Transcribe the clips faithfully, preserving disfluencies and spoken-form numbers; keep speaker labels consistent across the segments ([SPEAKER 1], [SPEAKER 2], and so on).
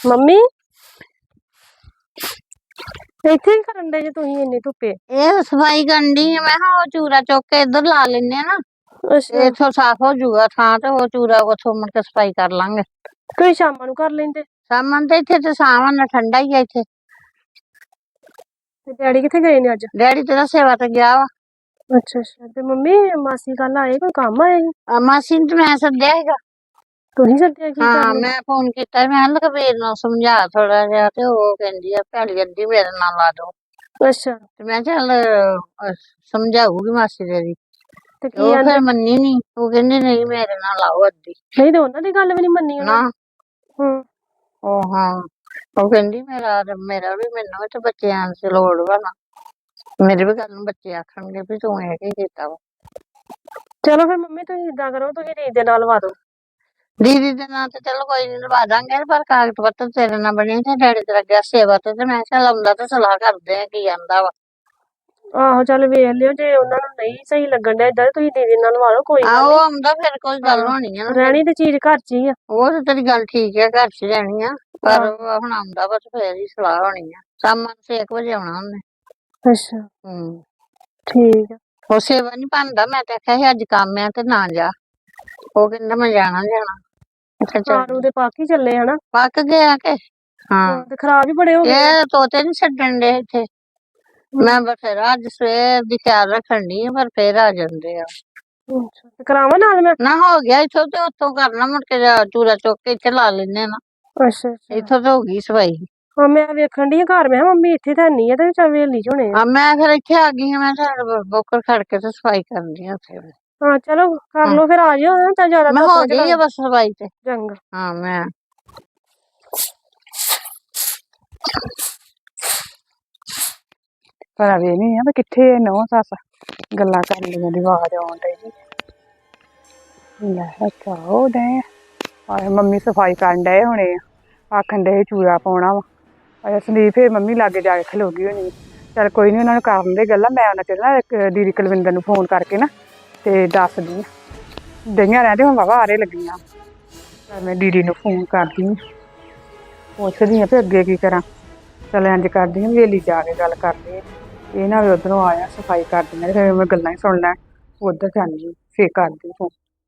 [SPEAKER 1] Mummy ਇੱਥੇ ਕੀ ਕਰਨ ਦੇ ਜੇ ਤੁਸੀਂ ਇੰਨੀ ਧੁੱਪੇ?
[SPEAKER 2] ਇਹ ਸਫਾਈ ਕਰਨ ਦੀ ਮੈਂ ਕਿਹਾ ਉਹ ਚੂਰਾ ਚੁੱਕ ਕੇ ਇੱਧਰ ਲਾ ਲੈਨੇ ਆ ਨਾ,
[SPEAKER 1] ਅੱਛਾ,
[SPEAKER 2] ਇੱਥੋਂ ਸਾਫ਼ ਹੋ ਜਾਊਗਾ ਥਾਂ ਤੇ ਉਹ ਚੂਰਾ ਉੱਥੋਂ ਮੁੜ ਕੇ ਸਫਾਈ ਕਰ ਲਾਂਗੇ।
[SPEAKER 1] ਤੁਸੀਂ ਸ਼ਾਮਾਂ ਨੂੰ ਕਰ ਲੈਂਦੇ।
[SPEAKER 2] ਸਾਮਨ ਤੇ ਇੱਥੇ ਤੇ ਸਾਵਣ ਨਾਲ ਠੰਡਾ ਹੀ ਆ ਇੱਥੇ।
[SPEAKER 1] ਤੇ ਡੈਡੀ ਕਿੱਥੇ ਗਏ ਨੇ ਅੱਜ?
[SPEAKER 2] ਡੈਡੀ ਤੇਰਾ ਸੇਵਾ ਤੇ ਗਿਆ ਵਾ।
[SPEAKER 1] ਅੱਛਾ ਅੱਛਾ। ਤੇ ਮੰਮੀ ਮਾਸੀ ਕੱਲ ਆਏ, ਕੋਈ ਕੰਮ ਆਏ ਸੀ?
[SPEAKER 2] ਆ ਮਾਸੀ ਨੂੰ ਤੇ ਮੈਂ ਸੱਦਿਆ ਹੈਗਾ।
[SPEAKER 1] ਤੁਸੀਂ ਸੱਦਿਆ ਕੀ
[SPEAKER 2] ਹਾਂ
[SPEAKER 1] ਕਰਨ?
[SPEAKER 2] ਮੈਂ ਫੋਨ ਕੀਤਾ, ਮੈਂ ਕਿਹਾ ਲਖਬੀਰ ਨੂੰ ਸਮਝਾ ਥੋੜਾ ਜਿਹਾ, ਤੇ ਉਹ ਕਹਿੰਦੀ ਆ ਭੈੜੀ ਅੱਧੀ ਮੇਰੇ ਨਾਲ ਲਾ ਦੋ।
[SPEAKER 1] ਅੱਛਾ,
[SPEAKER 2] ਤੇ ਮੈਂ ਚੱਲ ਅਹ, ਸਮਝਾਊਗੀ ਮਾਸੀ ਤੇਰੀ।
[SPEAKER 1] ਤੇ
[SPEAKER 2] ਤੇ
[SPEAKER 1] ਕੀ
[SPEAKER 2] ਉਹ
[SPEAKER 1] ਆਂਦੇ?
[SPEAKER 2] ਫਿਰ ਮੰਨੀ ਨੀ, ਉਹ ਕਹਿੰਦੀ ਨਹੀਂ ਮੇਰੇ ਨਾਲ ਲਾਓ ਅੱਧੀ।
[SPEAKER 1] ਨਹੀਂ ਤੇ ਉਹਨਾਂ ਦੀ ਗੱਲ ਵੀ ਨਹੀਂ ਮੰਨੀ
[SPEAKER 2] ਨਾ
[SPEAKER 1] ਉਹਨਾਂ। ਹੂੰ,
[SPEAKER 2] ਉਹ ਹਾਂ ਉਹ ਕਹਿੰਦੀ ਮੇਰਾ ਮੇਰਾ ਵੀ ਮੈਨੂੰ ਵੀ ਤੇ ਬੱਚਿਆਂ ਦੀ ਲੋੜ ਵਾ ਨਾ, ਮੇਰੇ ਵੀ ਗੱਲ ਨੂੰ ਬੱਚੇ ਆਖਣਗੇ ਵੀ ਤੂੰ ਇਹ ਕੀ ਕੀਤਾ ਵਾ।
[SPEAKER 1] ਚਲੋ ਫਿਰ ਮੰਮੀ ਤੁਸੀਂ ਏਦਾਂ ਕਰੋ, ਤੁਸੀਂ ਰੀਤ ਦੇ ਨਾਲ ਲਵਾ ਦਿਓ।
[SPEAKER 2] ਦੀਦੀ ਦੇ ਨਾਂ ਤੇ ਚਲੋ ਕੋਈ ਨੀ ਲਵਾ ਦਾਂਗੇ, ਪਰ ਕਾਗਜ਼ ਪੱਤਰ ਤੇਰੇ ਨਾਲ ਬਣੇ ਤੇ ਡੈਡੀ ਤੇਰਾ ਗਿਆ ਸੇਵਾ ਤੇ, ਤੇ ਮੈਂ ਚੱਲ ਆਉਂਦਾ ਤੇ ਸਲਾਹ ਕਰਦੇ ਆ ਕੀ ਆਂਦਾ ਵਾ।
[SPEAKER 1] ਆਹੋ ਚੱਲ ਵੇਖ ਲਿਓ, ਜੇ ਉਹਨਾਂ ਨੂੰ ਨਹੀਂ ਸਹੀ ਲੱਗਣ ਡਿਆ ਏਦਾਂ, ਤੁਸੀਂ ਦੀਦੀ ਨਾਲ ਲਵਾ ਲਓ, ਕੋਈ ਗੱਲ
[SPEAKER 2] ਆਹੋ
[SPEAKER 1] ਨਹੀਂ।
[SPEAKER 2] ਆਉਂਦਾ ਫਿਰ ਕੋਈ ਗੱਲ ਹੋਣੀ ਆ ਨਾ, ਫਿਰ
[SPEAKER 1] ਰਹਿਣੀ ਤੇ ਚੀਜ਼ ਘਰ ਚ ਹੀ ਆ।
[SPEAKER 2] ਉਹ ਤੇ ਤੇਰੀ ਗੱਲ ਠੀਕ ਹੈ, ਘਰ ਚ ਰਹਿਣੀ ਆ, ਪਰ ਉਹ ਹੁਣ ਆਉਂਦਾ ਵਾ ਤੇ ਫੇਰ ਹੀ ਸਲਾਹ ਹੋਣੀ ਆ। ਸ਼ਾਮਾਂ ਛੇ ਕੁ ਵਜੇ ਆਉਣਾ ਉਹਨੇ।
[SPEAKER 1] ਅੱਛਾ
[SPEAKER 2] ਹੂੰ
[SPEAKER 1] ਠੀਕ ਆ।
[SPEAKER 2] ਉਹ ਸੇਵਾ ਨੀ ਬਣਦਾ, ਮੈਂ ਤੇ ਆਖਿਆ ਸੀ ਅੱਜ ਕੰਮ ਆ ਤੇ ਨਾ ਜਾ, ਉਹ ਕਹਿੰਦਾ ਮੈਂ ਜਾਣਾ ਜਾਣਾ। ਅੱਛਾ ਚੱਲ
[SPEAKER 1] ਆਲੂ ਦੇ ਪੱਕ ਹੀ ਚੱਲੇ ਹਨਾ।
[SPEAKER 2] ਪੱਕ ਗਿਆ ਕੇ? ਹਾਂ
[SPEAKER 1] ਤੇ ਖਰਾਬ ਹੀ ਬੜੇ ਹੋ ਗਏ ਆ।
[SPEAKER 2] ਇਹ ਤੋਤੇ ਨੀ ਛੱਡਣ ਦੇ ਇੱਥੇ, ਮੈਂ ਬਥੇਰਾ ਅੱਜ ਸਵੇਰ ਦੀ ਖਿਆਲ ਰੱਖਣ ਦੀ ਆ, ਪਰ ਫੇਰ ਆ ਜਾਂਦੇ ਆ।
[SPEAKER 1] ਅੱਛਾ ਤੇ ਕਰਾਵਾਂ ਨਾਲ ਮੈਂ?
[SPEAKER 2] ਨਾ ਹੋ ਗਿਆ ਇੱਥੋਂ ਤੇ ਉੱਥੋਂ ਕਰਨਾ, ਮੁੜ ਕੇ ਚੂਰਾ ਚੁੱਕ ਕੇ ਇੱਥੇ ਲਾ ਲੈਨੇ ਆ ਨਾ।
[SPEAKER 1] ਅੱਛਾ ਅੱਛਾ।
[SPEAKER 2] ਇੱਥੋਂ ਤੇ ਹੋ ਗਈ ਸਫਾਈ।
[SPEAKER 1] ਹਾਂ ਮੈਂ ਵੇਖਣ ਦੀ ਘਰ, ਮੈਂ ਕਿਹਾ ਮੰਮੀ ਇੱਥੇ ਤਾਂ ਨਹੀਂ ਆ, ਤੇ ਚੱਲ ਵੇਲੀ ਚ ਹੋਣੇ ਆ।
[SPEAKER 2] ਆ ਮੈਂ ਫਿਰ ਇੱਥੇ ਆ ਗਈ ਹਾਂ, ਮੈਂ ਚੱਲ ਬੋਕਰ ਖੜ ਕੇ ਤੇ ਸਫਾਈ ਕਰਨੀ ਆ ਉੱਥੇ।
[SPEAKER 1] ਹਾਂ ਚਲੋ ਕਰ
[SPEAKER 2] ਹਾਂ
[SPEAKER 1] ਲਓ ਫਿਰ, ਆ ਜਿਓ ਤਾਂ ਜ਼ਿਆਦਾ
[SPEAKER 2] ਮੈਂ
[SPEAKER 1] ਧੁੱਪ
[SPEAKER 2] ਹੋ
[SPEAKER 1] ਨਾ
[SPEAKER 2] ਗਈ
[SPEAKER 1] ਚਲਾਓ।
[SPEAKER 2] ਆ ਬਸ ਸਫਾਈ ਤੇ।
[SPEAKER 1] ਚੰਗਾ।
[SPEAKER 2] ਹਾਂ ਮੈਂ
[SPEAKER 3] ਪਰ ਵੇ ਨਹੀਂ ਆ ਵੀ ਕਿੱਥੇ ਨਹੁੰ ਸੱਸ ਗੱਲਾਂ ਕਰਨ ਦੀਆਂ ਦੀ ਆਵਾਜ਼ ਆਉਣ ਡਈ ਜੀ। ਲੈ ਅੱਛਾ ਉਹ ਡੇ ਆਏ ਮੰਮੀ ਸਫਾਈ ਕਰਨ ਡਏ ਹੋਣੇ ਆ, ਆਖਣ ਡਏ ਚੂੜਾ ਪਾਉਣਾ ਵਾ। ਅਜਾ ਸੰਦੀਪ ਫਿਰ ਮੰਮੀ ਲਾਗੇ ਜਾ ਕੇ ਖਲੋ ਗਈ ਹੋਣੀ। ਚੱਲ ਕੋਈ ਨੀ, ਉਹਨਾਂ ਨੂੰ ਕਰਨ ਦੇ ਗੱਲਾਂ, ਮੈਂ ਉਹਨਾਂ ਚਿਰ ਨਾ ਇੱਕ ਦੀਦੀ ਕੁਲਵਿੰਦਰ ਨੂੰ ਫੋਨ ਕਰਕੇ ਨਾ ਤੇ ਦੱਸਦੀ ਆ। ਡਈਆਂ ਰਹਿੰਦੇ ਹੁਣ ਵਾਹਵਾ ਆਰੇ ਲੱਗੀਆਂ, ਮੈਂ ਦੀਦੀ ਨੂੰ ਫੋਨ ਕਰਦੀ ਹਾਂ, ਪੁੱਛਦੀ ਹਾਂ ਵੀ ਅੱਗੇ ਕੀ ਕਰਾਂ। ਚੱਲ ਇੰਝ ਕਰਦੀ ਹਾਂ, ਵੇਲੀ ਜਾ ਕੇ ਗੱਲ ਕਰਦੇ ਇਹ ਨਾ ਵੀ ਉੱਧਰੋਂ ਆਇਆ ਸਫਾਈ ਕਰਦੀਆਂ ਤੇ ਫਿਰ ਮੈਂ ਗੱਲਾਂ ਹੀ ਸੁਣ ਲੈ, ਉੱਧਰ ਜਾਂਦੀ ਫਿਰ ਕਰਦੀ ਫੋਨ।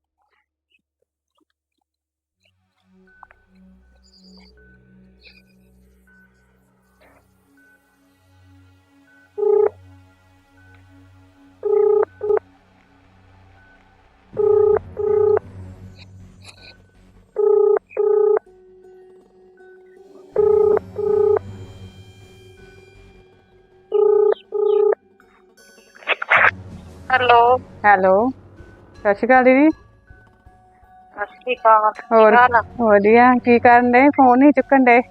[SPEAKER 1] ਹੈਲੋ।
[SPEAKER 3] ਹੈਲੋ ਸਤਿ ਸ਼੍ਰੀ ਅਕਾਲ ਦੀਦੀ।
[SPEAKER 1] ਸਤਿ ਸ਼੍ਰੀ ਅਕਾਲ।
[SPEAKER 3] ਹੋਰ ਵਧੀਆ, ਕੀ ਕਰਨ ਡਏ, ਫੋਨ ਨਹੀਂ ਚੁੱਕਣ ਡਏ?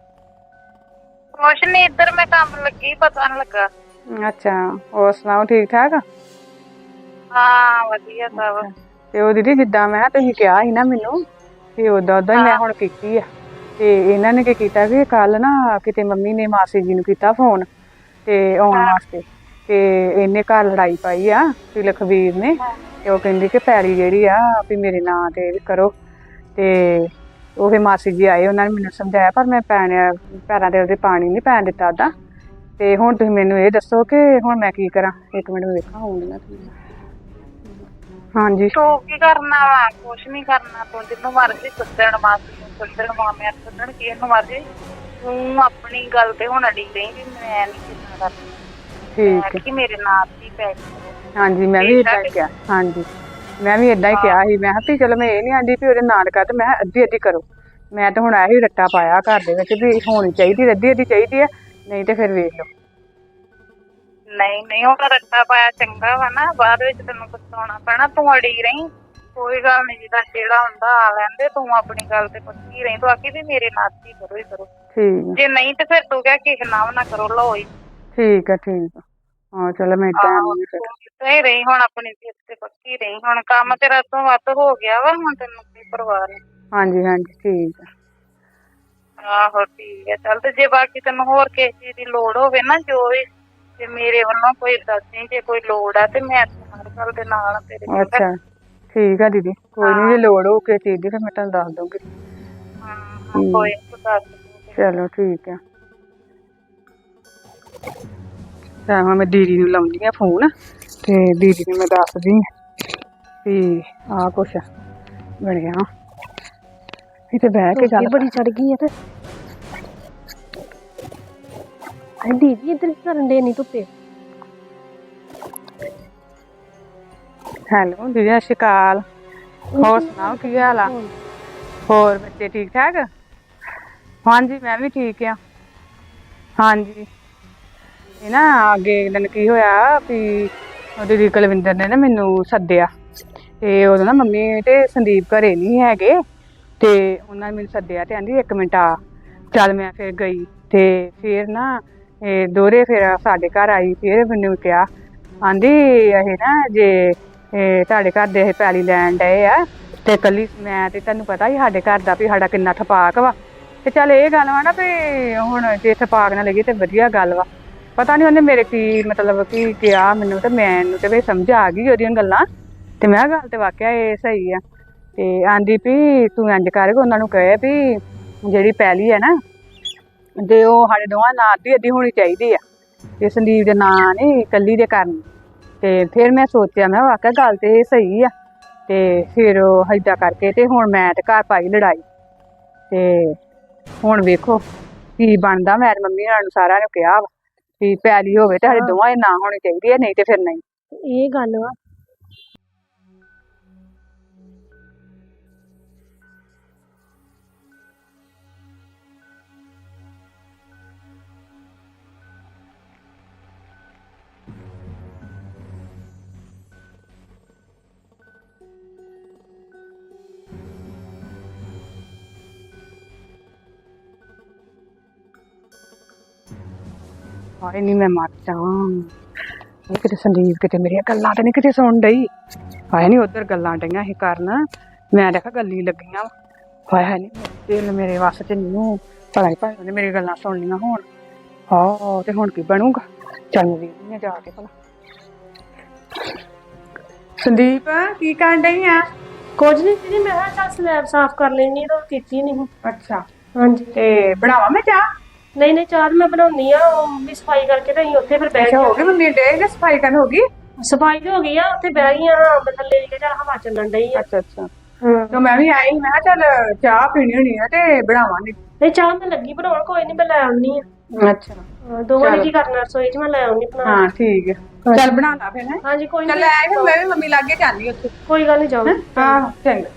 [SPEAKER 1] ਕੁਛ ਨੀ, ਇੱਧਰ ਮੈਂ ਕੰਮ ਲੱਗੀ, ਪਤਾ ਨੀ ਲੱਗਾ।
[SPEAKER 3] ਅੱਛਾ ਹੋਰ ਸੁਣਾਓ, ਠੀਕ ਠਾਕ?
[SPEAKER 1] ਹਾਂ ਵਧੀਆ ਸਭ।
[SPEAKER 3] ਤੇ ਉਹ ਦੀਦੀ ਜਿੱਦਾਂ ਮੈਂ ਕਿਹਾ ਤੁਸੀਂ ਕਿਹਾ ਸੀ ਨਾ ਮੈਨੂੰ, ਤੇ ਓਦਾਂ ਓਦਾਂ ਹੀ ਮੈਂ ਹੁਣ ਕੀਤੀ ਆ। ਤੇ ਇਹਨਾਂ ਨੇ ਕੀ ਕੀਤਾ ਕਿ ਕੱਲ ਨਾ ਕਿਤੇ ਮੰਮੀ ਨੇ ਮਾਸੀ ਜੀ ਨੂੰ ਕੀਤਾ ਫੋਨ ਤੇ ਆਉਣ ਵਾਸਤੇ, ਤੇ ਇਹਨੇ ਘਰ ਲੜਾਈ ਪਾਈ ਆ ਵੀ ਲਖਬੀਰ ਨੇ, ਤੇ ਉਹ ਕਹਿੰਦੀ ਕਿ ਪੈਲੀ ਜਿਹੜੀ ਆ ਵੀ ਮੇਰੇ ਨਾਂ ਤੇ ਕਰੋ। ਤੇ ਉਹ ਫਿਰ ਮਾਸੀ ਜੀ ਆਏ, ਉਹਨਾਂ ਨੇ ਮੈਨੂੰ ਸਮਝਾਇਆ, ਪਰ ਮੈਂ ਪੈਣ ਪੈਰਾਂ ਤੇ ਉਹਦੇ ਪਾਣੀ ਨਹੀਂ ਪੈਣ ਦਿੱਤਾ ਉਹਦਾ। ਤੇ ਹੁਣ ਤੁਸੀਂ ਮੈਨੂੰ ਇਹ ਦੱਸੋ ਕਿ ਹੁਣ ਮੈਂ ਕੀ ਕਰਾਂ? ਇੱਕ ਮਿੰਟ ਵੇਖਾਂ ਆਉਂਦੀਆਂ ਤੁਸੀਂ। ਹਾਂਜੀ
[SPEAKER 1] ਤੂੰ ਕੀ ਕਰਨਾ ਵਾ? ਕੁਛ ਨੀ ਕਰਨਾ, ਤੂੰ ਜਿਹਨੂੰ ਮਰਜ਼ੀ ਸੱਦਣ, ਮਾਸੀ ਨੂੰ ਸੱਦਣ, ਮਾਮਿਆਂ ਨੂੰ ਸੱਦਣ, ਕਿਹਨੂੰ ਮਰਜ਼ੀ, ਤੂੰ ਆਪਣੀ ਗੱਲ ਤੇ ਹੁਣ ਅੜੀ ਰਹੀ ਵੀ ਮੈਂ ਨੀ ਕਿੱਦਾਂ ਕਰਨੀ।
[SPEAKER 3] ਠੀਕ ਹੈ।
[SPEAKER 1] ਕਿ ਮੇਰੇ ਨਾਲ ਹੀ ਪੈ ਕਰੋ।
[SPEAKER 3] ਹਾਂਜੀ ਮੈਂ ਵੀ ਏਦਾਂ ਹੀ ਕਿਹਾ, ਹਾਂਜੀ ਮੈਂ ਵੀ ਏਦਾਂ ਹੀ ਕਿਹਾ ਸੀ। ਮੈਂ ਕਿਹਾ ਵੀ ਚਲੋ ਮੈਂ ਇਹ ਨੀ ਆਂਦੀ ਵੀ ਉਹਦੇ ਨਾਲ ਕਰ, ਤੇ ਮੈਂ ਕਿਹਾ ਅੱਧੀ ਅੱਧੀ ਕਰੋ। ਮੈਂ ਤਾਂ ਹੁਣ ਇਹੀ ਰੱਟਾ ਪਾਇਆ ਘਰ ਦੇ ਵਿੱਚ ਵੀ ਹੋਣੀ ਚਾਹੀਦੀ, ਅੱਧੀ ਅੱਧੀ ਚਾਹੀਦੀ ਆ, ਨਹੀਂ ਤੇ ਫਿਰ ਵੇਖ ਲਓ।
[SPEAKER 1] ਨਹੀਂ ਨਹੀਂ ਉਹ ਰੱਟਾ ਪਾਇਆ ਚੰਗਾ ਵਾ ਨਾ, ਬਾਅਦ ਵਿੱਚ ਤੈਨੂੰ ਪਛਤਾਉਣਾ ਪੈਣਾ। ਤੂੰ ਅੜੀ ਰਹੀ, ਕੋਈ ਗੱਲ ਨੀ, ਜਿੱਦਾਂ ਜਿਹੜਾ ਹੁੰਦਾ ਆ ਲੈਂਦੇ, ਤੂੰ ਆਪਣੀ ਗੱਲ ਤੇ ਪੱਕੀ ਰਹੀ। ਤੂੰ ਆਖੀ ਵੀ ਮੇਰੇ ਨਾਲ ਹੀ ਕਰੋ ਹੀ ਕਰੋ,
[SPEAKER 3] ਠੀਕ
[SPEAKER 1] ਜੇ ਨਹੀਂ ਤੇ ਫਿਰ ਤੂੰ ਕਹਿ ਕਿਸੇ ਨਾਲ ਨਾ ਕਰੋ, ਲਓ ਹੀ।
[SPEAKER 3] ਠੀਕ ਆ ਠੀਕ ਆ। ਹਾਂ ਚਲੋ ਮੈਂ ਏਦਾਂ ਆਉਂਦੀ ਫਿਰ।
[SPEAKER 1] ਸਹੀ ਰਹੀ ਹੁਣ, ਆਪਣੀ ਜਿੱਦ ਤੇ ਪੱਕੀ ਰਹੀ। ਹੁਣ ਕੰਮ ਤੇਰਾ ਤੋਂ ਵੱਧ ਹੋ ਗਿਆ ਵਾ, ਹੁਣ ਤੈਨੂੰ ਕੋਈ ਪਰਵਾਹ ਨੀ।
[SPEAKER 3] ਹਾਂਜੀ ਹਾਂਜੀ ਠੀਕ ਆ।
[SPEAKER 1] ਆਹੋ ਠੀਕ ਹੈ ਚੱਲ। ਤੇ ਜੇ ਬਾਕੀ ਤੈਨੂੰ ਹੋਰ ਕਿਸੇ ਚੀਜ਼ ਦੀ ਲੋੜ ਹੋਵੇ ਨਾ, ਜੋ ਵੀ, ਤੇ ਮੇਰੇ ਵੱਲੋਂ ਕੋਈ ਦੱਸਦੀ, ਜੇ ਕੋਈ ਲੋੜ ਆ ਤੇ ਮੈਂ ਹਰ ਗੱਲ ਦੇ ਨਾਲ ਤੇਰੇ।
[SPEAKER 3] ਅੱਛਾ ਠੀਕ ਆ ਦੀਦੀ, ਕੋਈ ਨੀ ਜੇ ਲੋੜ ਹੋ ਕਿਸੇ ਚੀਜ਼ ਦੀ ਫਿਰ ਮੈਂ ਤੁਹਾਨੂੰ ਦੱਸ ਦੂੰਗੀ।
[SPEAKER 1] ਹਾਂ ਕੋਈ ਨੀ, ਤੂੰ ਦੱਸ।
[SPEAKER 3] ਚਲੋ ਠੀਕ ਆ। ਤਾਂ ਹੁਣ ਮੈਂ ਦੀਦੀ ਨੂੰ ਲਾਉਂਦੀ ਆ ਫੋਨ ਤੇ ਦੀਦੀ ਨੂੰ ਮੈਂ ਦੱਸਦੀ ਆ ਵੀ ਆਹ ਕੁਛ ਬਣਿਆ। ਇੱਥੇ ਬਹਿ ਕੇ ਗੱਲ
[SPEAKER 4] ਬੜੀ ਚੜ ਗਈ ਹੈ ਤੇ ਹਾਂ ਦੀਦੀ ਇੱਧਰ ਕੀ ਕਰਨ ਦੇ ਨਹੀਂ ਧੁੱਪੇ।
[SPEAKER 3] ਹੈਲੋ ਦੀਦੀ ਸਤਿ ਸ਼੍ਰੀ ਅਕਾਲ। ਹੋਰ ਸੁਣਾਓ ਕੀ ਹਾਲ ਆ? ਹੋਰ ਬੱਚੇ ਠੀਕ ਠਾਕ? ਹਾਂਜੀ ਮੈਂ ਵੀ ਠੀਕ ਆ। ਹਾਂਜੀ ਇਹ ਨਾ ਅੱਗੇ ਦਿਨ ਕੀ ਹੋਇਆ ਵੀ ਦੀਦੀ ਕੁਲਵਿੰਦਰ ਨੇ ਨਾ ਮੈਨੂੰ ਸੱਦਿਆ ਤੇ ਉਦੋਂ ਨਾ ਮੰਮੀ ਤੇ ਸੰਦੀਪ ਘਰੇ ਨਹੀਂ ਹੈਗੇ ਤੇ ਉਹਨਾਂ ਨੇ ਮੈਨੂੰ ਸੱਦਿਆ ਤੇ ਕਹਿੰਦੀ ਇੱਕ ਮਿੰਟ ਆ। ਚੱਲ ਮੈਂ ਫਿਰ ਗਈ ਤੇ ਫਿਰ ਨਾ ਇਹ ਦੋਹਰੇ ਫਿਰ ਸਾਡੇ ਘਰ ਆਈ। ਫਿਰ ਮੈਨੂੰ ਕਿਹਾ ਆਂਦੀ ਇਹ ਨਾ ਜੇ ਇਹ ਤੁਹਾਡੇ ਘਰ ਦੇ ਇਹ ਪੈਲੀ ਲੈਣ ਡਏ ਆ ਤੇ ਇਕੱਲੀ ਮੈਂ ਤੇ ਤੁਹਾਨੂੰ ਪਤਾ ਹੀ ਸਾਡੇ ਘਰ ਦਾ ਵੀ ਸਾਡਾ ਕਿੰਨਾ ਥਪਾਕ ਵਾ ਤੇ ਚੱਲ ਇਹ ਗੱਲ ਵਾ ਨਾ ਵੀ ਹੁਣ ਜੇ ਥਪਾਕ ਨਾ ਲੱਗੀ ਤੇ ਵਧੀਆ ਗੱਲ ਵਾ। ਪਤਾ ਨਹੀਂ ਉਹਨੇ ਮੇਰੇ ਕੀ ਮਤਲਬ ਕੀ ਕਿਹਾ ਮੈਨੂੰ ਤੇ ਮੈਨੂੰ ਤੇ ਵੀ ਸਮਝ ਆ ਗਈ ਉਹਦੀਆਂ ਗੱਲਾਂ ਤੇ ਮੈਂ ਗੱਲ ਤੇ ਵਾਕਿਆ ਇਹ ਸਹੀ ਆ। ਤੇ ਆਂਦੀ ਵੀ ਤੂੰ ਇੰਝ ਕਰ ਉਹਨਾਂ ਨੂੰ ਕਹੇ ਵੀ ਜਿਹੜੀ ਪੈਲੀ ਹੈ ਨਾ ਤੇ ਉਹ ਸਾਡੇ ਦੋਵਾਂ ਨਾਂ ਅੱਧੀ ਅੱਧੀ ਹੋਣੀ ਚਾਹੀਦੀ ਆ ਤੇ ਸੰਦੀਪ ਦੇ ਨਾਂ ਨਹੀਂ ਇਕੱਲੀ ਦੇ ਕਰਨੀ। ਤੇ ਫਿਰ ਮੈਂ ਸੋਚਿਆ ਮੈਂ ਵਾਕਿਆ ਗੱਲ ਤੇ ਇਹ ਸਹੀ ਆ ਤੇ ਫਿਰ ਉਹ ਏਦਾਂ ਕਰਕੇ ਤੇ ਹੁਣ ਮੈਂ ਤੇ ਘਰ ਪਾਈ ਲੜਾਈ ਤੇ ਹੁਣ ਵੇਖੋ ਕੀ ਬਣਦਾ। ਮੈਂ ਮੰਮੀ ਹੋਰਾਂ ਨੂੰ ਸਾਰਿਆਂ ਨੂੰ ਕਿਹਾ ਵਾ ਵੀ ਪੈਲੀ ਹੋਵੇ ਤੇ ਸਾਡੇ ਦੋਵਾਂ ਦੇ ਨਾਂ ਹੋਣੀ ਚਾਹੀਦੀ ਆ ਨਹੀਂ ਤੇ ਫਿਰ ਨਹੀਂ।
[SPEAKER 4] ਇਹ ਗੱਲ ਵਾ
[SPEAKER 3] ਹਾਏ ਨਹੀਂ ਮੈਂ ਮਰ ਜਾ। ਕਿਤੇ ਸੰਦੀਪ ਕਿਤੇ ਮੇਰੀਆਂ ਗੱਲਾਂ ਤੇ ਨਹੀਂ ਕਿਤੇ ਸੁਣ ਡਈ। ਹਾਏ ਨਹੀਂ ਉੱਧਰ ਗੱਲਾਂ ਡਈਆਂ ਸੀ ਕਰਨ ਮੈਂ ਦੇਖਾ ਗੱਲੀ ਲੱਗੀਆਂ। ਹਾਏ ਨਹੀਂ ਦਿਲ ਮੇਰੇ ਵੱਸ ਚ ਨਹੀਂ ਪਤਾ ਨਹੀਂ ਭਾਈ ਉਹਨੇ ਮੇਰੀ ਗੱਲਾਂ ਸੁਣ ਲਈਆਂ ਹੁਣ। ਹਾਂ ਤੇ ਹੁਣ ਕੀ ਬਣੂਗਾ? ਚੱਲ ਮੈਂ ਵੇਖਦੀ ਹਾਂ ਜਾ ਕੇ ਭਲਾ। ਸੰਦੀਪ ਕੀ ਕਰਨ ਡਈ ਆ?
[SPEAKER 4] ਕੁਝ ਨਹੀਂ ਦੀਦੀ ਮੈਂ ਕਿਹਾ ਚੱਲ ਸਲੈਬ ਸਾਫ਼ ਕਰ ਲੈਣੀ ਤਾਂ ਕੀਤੀ ਨਹੀਂ।
[SPEAKER 3] ਅੱਛਾ
[SPEAKER 4] ਹਾਂਜੀ
[SPEAKER 3] ਤੇ ਬਣਾਵਾ ਮੈਂ ਚਾਹ?
[SPEAKER 4] ਨਹੀਂ ਨਹੀਂ ਚਾਹ ਮੈਂ ਬਣਾਉਣੀ ਆ ਉਹ ਵੀ ਸਫਾਈ ਕਰਕੇ ਤੇ ਅਸੀਂ ਉੱਥੇ ਫਿਰ ਬਹਿ
[SPEAKER 3] ਅੱਛਾ ਹੋ
[SPEAKER 4] ਗਏ।
[SPEAKER 3] ਗਈ ਮੰਮੀ ਡੇ ਨੇ ਸਫਾਈ ਕਰਨ ਹੋ ਗਈ?
[SPEAKER 4] ਸਫਾਈ ਤੇ ਹੋ ਗਈ ਆ ਉੱਥੇ ਬਹਿ ਗਈਆਂ ਹਾਂ ਥੱਲੇ ਕੇ ਚੱਲ ਹਵਾ ਚੱਲਣ ਡਈ ਆ।
[SPEAKER 3] ਅੱਛਾ ਅੱਛਾ
[SPEAKER 4] ਹਾਂ
[SPEAKER 3] ਤੇ ਮੈਂ ਵੀ ਆਈ ਮੈਂ ਕਿਹਾ ਚੱਲ ਚਾਹ ਪੀਣੀ ਹੋਣੀ ਆ ਤੇ ਬਣਾਵਾਂਗੇ।
[SPEAKER 4] ਨਹੀਂ ਚਾਹ ਮੈਂ ਲੱਗੀ ਬਣਾਉਣ ਕੋਈ ਨਹੀਂ ਮੈਂ ਲੈ ਆਉਣੀ ਆ।
[SPEAKER 3] ਅੱਛਾ
[SPEAKER 4] ਦੋਵਾਂ ਨੇ ਕੀ ਕਰਨਾ ਰਸੋਈ ਚ ਮੈਂ ਲੈ ਆਉਣੀ ਬਣਾ।
[SPEAKER 3] ਹਾਂ ਠੀਕ ਹੈ ਚੱਲ ਬਣਾ ਲਾ ਫਿਰ ਹੈ।
[SPEAKER 4] ਹਾਂਜੀ ਕੋਈ
[SPEAKER 3] ਚੱਲ
[SPEAKER 4] ਨਹੀਂ
[SPEAKER 3] ਆਏ ਫਿਰ ਮੈਂ ਵੀ ਮੰਮੀ ਲਾਗੇ ਜਾਂਦੀ ਉੱਥੇ।
[SPEAKER 4] ਕੋਈ ਗੱਲ ਨਹੀਂ ਜਾਓ।
[SPEAKER 3] ਹਾਂ ਚੰਗਾ